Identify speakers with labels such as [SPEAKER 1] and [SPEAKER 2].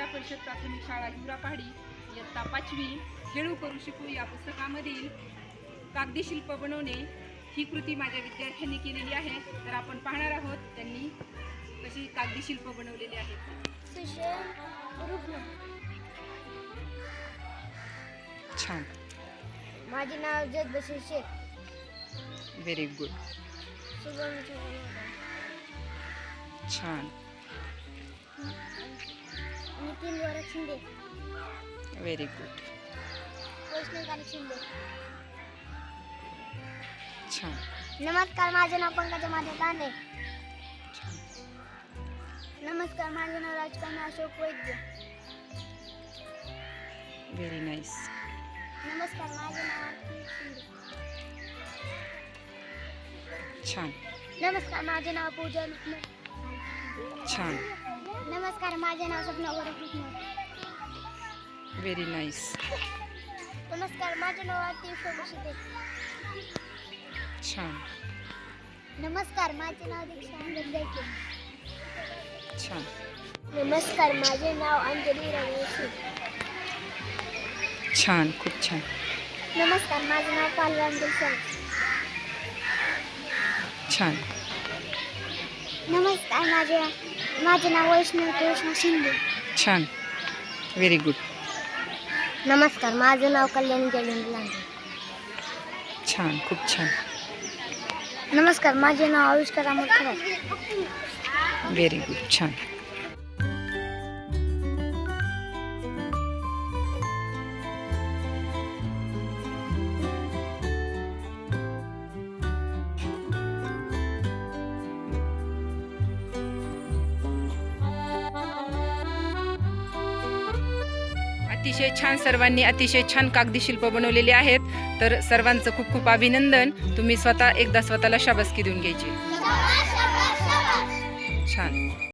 [SPEAKER 1] परिषद प्राथमिक शाळा हिवरा पहाडी इयत्ता 5वी खेळू करू शिकू या पुस्तकामधील कागदी शिल्प बनवणे ही कृती माझ्या विद्यार्थ्यांनी केलेली आहे। तर आपण पाहणार आहोत त्यांनी कशी कागदी शिल्प बनवलेली आहेत। छान।
[SPEAKER 2] माझे नाव जगबशीर शेख।
[SPEAKER 1] Very good.
[SPEAKER 2] शुभम
[SPEAKER 1] छान।
[SPEAKER 2] नितीन गोरख शिंदे।
[SPEAKER 1] Very good.
[SPEAKER 2] वैष्णवी शिंदे।
[SPEAKER 1] छान।
[SPEAKER 2] नमस्कार, माझे नाव पंकजा माझे तांडे। नमस्कार, माझे नाव राजकन्या अशोक वैद्य।
[SPEAKER 1] Very nice.
[SPEAKER 2] नमस्कार, माझे नाव आरती शिंदे।
[SPEAKER 1] छान।
[SPEAKER 2] नमस्कार, माझे नाव पूजा लुटणे।
[SPEAKER 1] छान।
[SPEAKER 2] नमस्कार, माझे नाव सपना गोरख लुटणे।
[SPEAKER 1] Very nice.
[SPEAKER 2] नमस्कार, माझे नाव आरती शिंदे।
[SPEAKER 1] छान।
[SPEAKER 2] नमस्कार, माझे नाव दीक्षा गंजायके।
[SPEAKER 1] छान।
[SPEAKER 2] नमस्कार, माझे नाव अंजली रमेश।
[SPEAKER 1] छान, खूप छान।
[SPEAKER 2] नमस्कार, माझे नाव पालराम दिलसन।
[SPEAKER 1] छान।
[SPEAKER 2] नमस्कार, माझे नाव वैष्णवी कृष्ण शिंदे।
[SPEAKER 1] छान। Very good.
[SPEAKER 2] नमस्कार, माझे नाव कल्याणी जयंत लांडे।
[SPEAKER 1] छान, खूप छान।
[SPEAKER 2] नमस्कार, माझे नाव आविष्कार अमोल खरात।
[SPEAKER 1] Very good. छान। अतिशय छान। सर्वांनी अतिशय छान कागदी शिल्प बनवलेले आहेत। तर सर्वांचं खूप खूप अभिनंदन। तुम्ही एकदा स्वतःला शाबासकी देऊन घ्यायची। छान।